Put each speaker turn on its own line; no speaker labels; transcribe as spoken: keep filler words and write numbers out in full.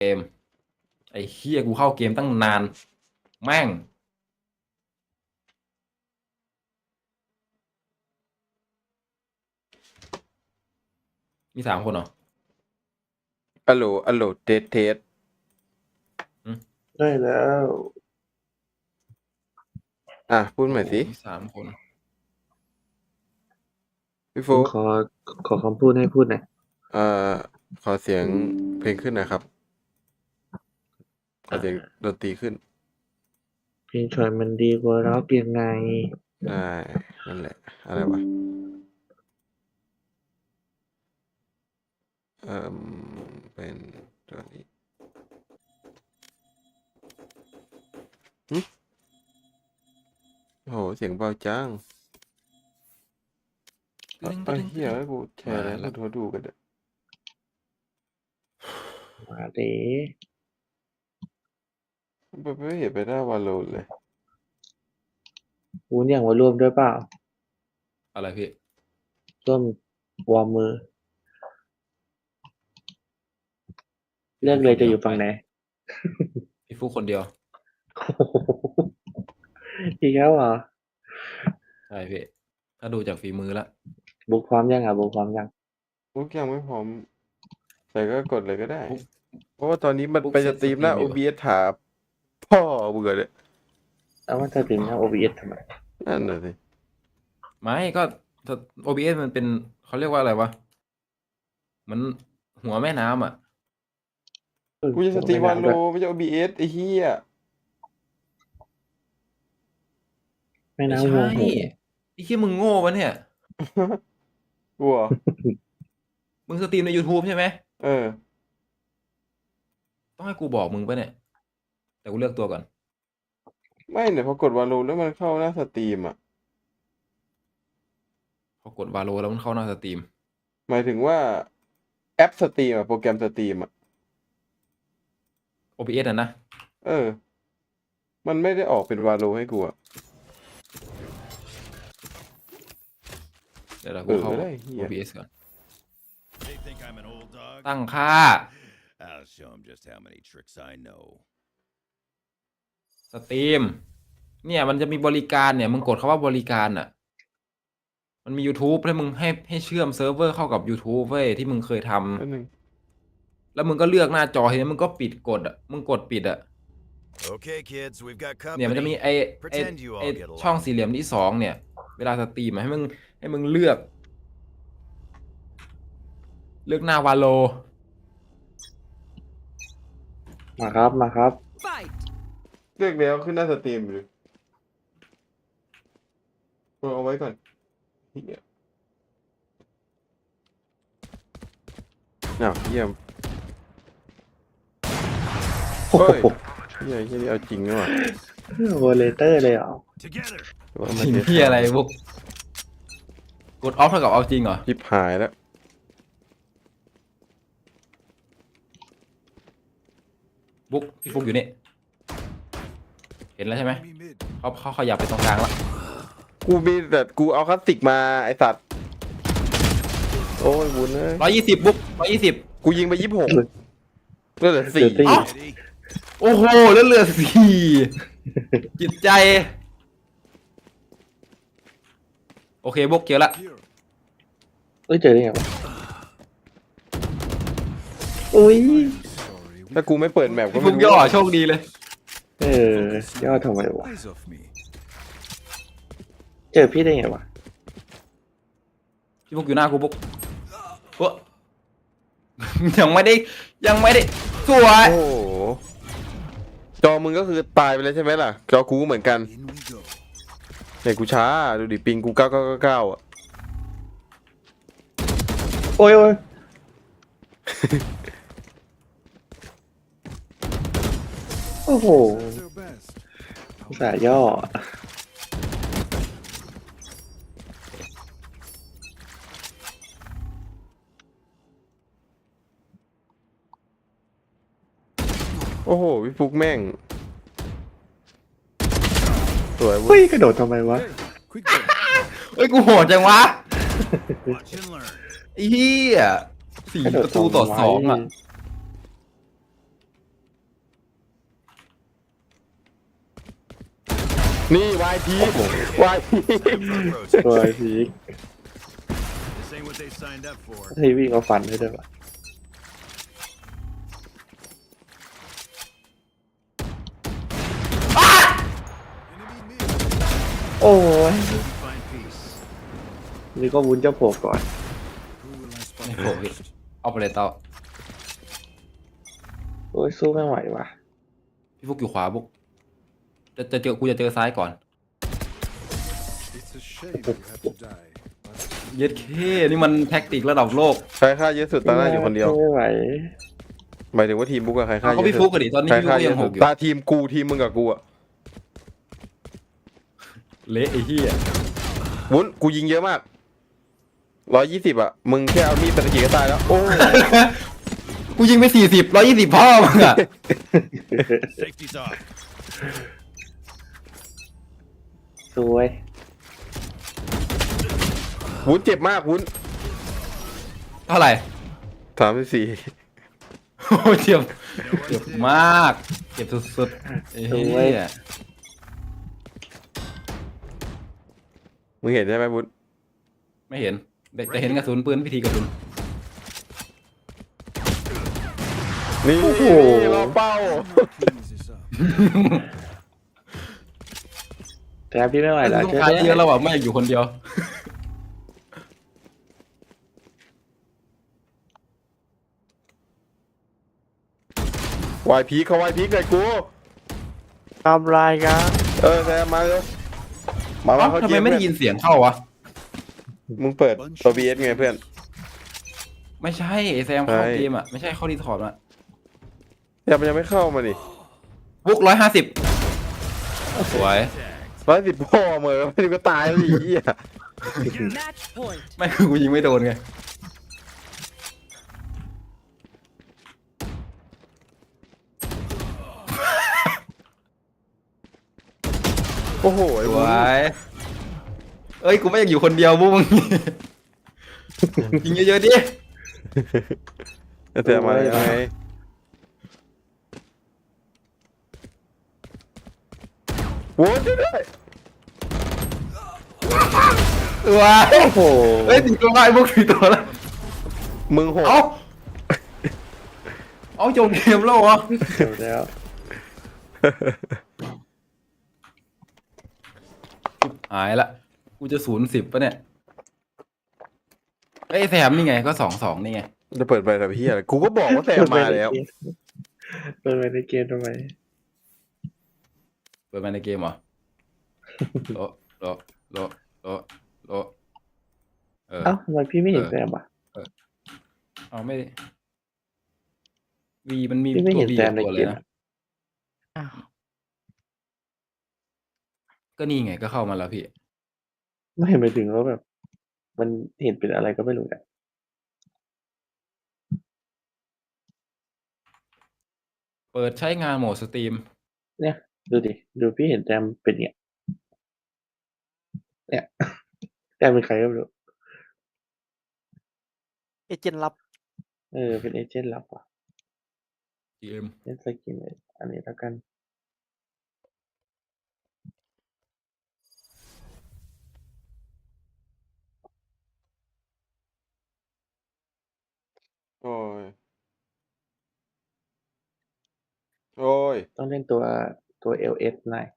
เกมไอ้เฮียกูเข้าเกมตั้งนานแม่งมีสามคนเหรอ
อัลโหลอัลโหลเทสเทส
ได้แล้ว
อ่ะพูดใหม่สิ
โอ้มีสามคน
พี่โฟ
ผม
ก
ขอขอคำพูดให้พูดหน่อย
เอ่อขอเสียงเพลงขึ้นหนะครับ ขอเสียงดนตรีขึ้น
เพลงชอยมันดีกว่าร็อกยังไง
ได้นั่นแหละ อะไรวะเอ่อเป็นตัวนี้หึโอ้โหเสียงเบาจัง
ตึ้ง
ไอ้
ตึ้ง
เหี้ยให้กูแชร์
มา
แล้ว
ละ
กูดูกันเด้อ
มาเด้
ไม่ไม่เห็นไปหน้าวาโลเลย
วูนอย่างมาร่วมด้วยเปล่า
อะไรพี่
ร่วมวอร์มมือ เลือกเลยจะอยู่ฝั่งไหน
พี่ฟุกคนเดียว
อีกแล้วเหรอ
ใช่พี่ถ้าดูจากฝีมือละ
บุกพร้อมยังอ่ะบุกพร้อมยัง
ทุกอย่างไม่พร้อม แต่ก็กดเลยก็ได้
ฟุก
เพราะว่าตอนนี้มัน
ฟุก
ไป
เซ็
ส
ต
ตรีมหน้า
สตรีมอยู่
โอ บี เอส ถามพ่อเบื่อเลย
แล้วมันจะถึงทาง โอ บี เอส ทำไม
นั่นน่ะสิ
ไม่ก็ โอ บี เอส มันเป็นเขาเรียกว่าอะไรวะมันหัวแม่น้ำอ่ะ
กูจะสตรีมวาโลไม่ใช่ โอ บี เอส ไอ้เหี้ย
แม่
ไม่
น้ำ
ใช่
หัวหู
ไอ้เฮียมึงโง่ปะเนี่ย
กลัว
มึงสตรีมใน YouTube ใช่ไหม
เออ
ต้องให้กูบอกมึงปะเนี่ยแต่กูเลือกตัวก่อน
ไม่เนี่ยพอกดวาโลแล้วมันเข้าหน้าสตรีมอ่ะ
พอกดวาโลแล้วมันเข้าหน้าสตรีม
หมายถึงว่าแอปสตรีมอ่ะโปรแกรมสตรีมอ่ะ
โอ บี เอส อ่ะนะ
เออ มันไม่ได้ออกเป็นวาโลให้กูอ่ะ
เดี๋ยวเรา
เอ
กู
อ
เข้า
ได้เหี้ย
โอ บี เอส ก่อน
They think I'm an old dog?
ตั้งค่า
I'll show them just how many tricks I know.
สตรีมเนี่ยมันจะมีบริการเนี่ยมึงกดคาว่าบริการอ่ะมันมี YouTube ให้มึงให้ให้เชื่อมเซิร์ฟเวอร์เข้ากับ YouTube เว้ยที่มึงเคยทำ
แป๊บนึง
แล้วมึงก็เลือกหน้าจอทีนี้มึงก็ปิดกดอ่ะมึงกดปิดอ่ะ
Okay, kids, we've got
เนี่ยมันจะมี
company.
ไอไอ
Pretend you
ไอ
all get along.
ช่องสี่เหลี่ยมที่สองเนี่ย เวลาสตรีมอะให้มึงให้มึงเลือก เลือกหน้าวาโล
มาครับ มาครับ
Fight!
เลือกแล้วขึ้นหน้าสตรีมเลยกูเอาไว้ก่อนเหี้ยอ้าวเยี่ยม
โอ้
เฮ้ย
โห
เหี้ยเหี้ยนี่เอาจริงด้วยว่ะ
โวเลเตอร์เลยเหรอ
Together.
หรือว่า
จริง
เทส
ที่อะไรพวกกดออฟเท่ากับเอาจริงเหรอ
ชิบหายแล้ว
บุ๊กพี่ฟุกอยู่นี่ เห็นแล้วใช่ไหม
Enemy mid.
เขาเขาขยับไปตรงกลางแล้ว
กูมีแต่กูเอาคลาสสิกมาไอสัตว์ โอ้ยบุญเอ้ย
ร้อยยี่สิบบุ๊กร้อยยี่สิบ
กูยิงไปยี่สิบหกก็เหลือสี่
เหลือสี่
เอ้า
Ready?
โอ้โหแล้วเหลือสี่จิตใจ โอเคบุ๊กเจอละ
Here.
เอ้ยเจอได้ไงวะอุ้ย
Sorry.
ถ้ากูไม่เปิดแมปก็
พี่
ไม่
ฟุก
รู้
ย่อโชคดีเลย
เออยอดทำไมวะ
Eyes off me.
เจอพี่ได้ไงวะ
พี่ฟุกอยู่หน้ากูบุ๊กเอ้อ ยังไม่ได้ยังไม่ได้สวย
โอ้โหจอมึงก็คือตายไปแล้วใช่ไหมล่ะ จอกูก็เหมือนกัน
In we go.
เนี่ยกูช้า ดูดิปิงกูเก้าเก้าเก้าอ่ะ
โอ้ยโอ้ยโอ้โห
Their best.
อุตส่าห์ย่อ
โอ้โหพี่ฟุกแม่ง สวยเว้
เฮ้
ย
ยกระโดดทำไมวะ
Quick break.
เอ้ยกูโหดจังวะ
Watch and learn.
ไอ้เหี้ยสี่
กระโดด
ประตูต่อสองอ่ะ
ทำไม
นี่วายพีวายพี
Approach.
ตัวไอ้พีก
This ain't what they signed up for.
ให้วิ่งเอาฟันให้ด้วยวะ
Enemy mid.
โอ้ย
Find peace.
นี่ก็วุ้นจะโผล่ก่อน
Who will I spot
ไม่โผล่พี่
first?
เอาไปเลยเตา
โอ้ยสู้ไม่ไหวว่ะ
พี่ฟุกอยู่ขวาบุกจะจะเจอกูจะเจอซ้ายก่อน
It's a shame you have to die. But
เย็ดเคนี่มันแท็กติกระดับโลก
ใครฆ่าเยอะสุดตาหน้าอยู่คนเดียว
สู้ไม่ไหว
หมายถึงว่าทีมบุ๊กอะใครฆ่า
เอา
เย
เขา
อะ
พี่
สุ
ฟุ
ด
กกันดิตอนนี้
ใคร
พี่ฟุ
ฆ่าก เย
ยั
อะ
งห
สุด
กอยู่
ตาทีมกูทีมมึงกับกูอะ
เละไอ้เหี้ย
วุ้นกูยิงเยอะมากร้อยยี่สิบอะมึงแค่เอามีดไปตะกี้ก็ตายแล้วโอ้
กูยิงไปสี่สิบร้อยยี่สิบพ่อมึงอะ
safety's off.
สวย
วุ้นเจ็บมากวุ้น
เท่าไหร่
สามสิบสี่
โอ้เจ็บเจ็บมากเจ็บสุดๆไอ้เหี้ย
มึงเห็นใช่ไหมวุ้น
ไม่เห็นแต่แต่เห็นกระสุนปืนวิธีกระสุน
นี่
โอ้โห
รอเป้า
Cleans this up.
แต่พี่ไม่ไหวแล้ว
ต้อง
ช่วย
การ
ด้วย
เยอะแล้วอ่ะไม่อยากอยู่คนเดียว
วายพีเขาวายพีเลยกู
ทำลายกัน
เออแซมมาเร็วมาว่า
เอ้า
เขา
ทำ
เก
ไม
ม
ไม่ได้ยินเสียงเข้าวะ
มึงเปิดตัวบีเอสไงเพื่อน
ไม่ใช่ไอ้แซมเข้า
ใช่
เกมอ่ะไม่ใช่เข้าดีถอดอ่ะ
ยังมันยังไม่เข้ามานี่
บุกร้อยห้าสิบสวย
ร้อยสิบพ่อเหมือนไม่ถึงก็ตายแล้วดิเหี้ย
Match point.
ไม่คือกูยิงไม่โดนไง
โอ้โหไอ้
ส
วุ้
วน ยเอ้ยกูไม่อยากอยู่คนเดียวบุ้มึง ยิงเยอะๆดิ
แซมมายังไงโว้ยช่วยด้วย
สวย
โอ้โห
เฮ้ยตีตัวไอ้บุกตีตัวแล้ว
มึงโหด
เอาเอาจบเกมแล้วเหรอ
เดี๋ยวแล้ว
หายละกูจะศูนย์สิบปะเนี่ยเอ้ยแซมนี่ไงก็สองสองนี่ไง
จะเปิดไปแต่พี่อะไรกูก็บอกว่าแซมมาแล้ว
เปิดไปในเกมทำไม
เปิดมาในเกมเหรอ โลโลโลโลโลเออ
เอ้าทำไมพี่ไม่เห็น
เออ
แซมอ่ะ
เอาไม่วีมันมี
พี่ไม่
ตั
เห็
วน วี
แซมใน
ตัว
เก
เลย
ม
นะ
อะ
ก็นี่ไงก็เข้ามาแล้วพี่
ไม่เห็นไปถึงว่าแบบ มันเห็นเป็นอะไรก็ไม่รู้อะ
เปิดใช้งานโหมดสตรีม
เนี่ย ดูดิ ดูพี่เห็นแซมเป็นเนี่ย เนี่ย แซมเป็นใครก็ไม่รู้
เอเจนต์ลับ
เออ เป็นเอเจนต์ลับว่ะ
จี เอ็ม
เล่นสกินเลยอันนี้แล้วกัน
โอ้ย โอ้ย
ต้องเล่นตัวตัวเอลเอสหน่อย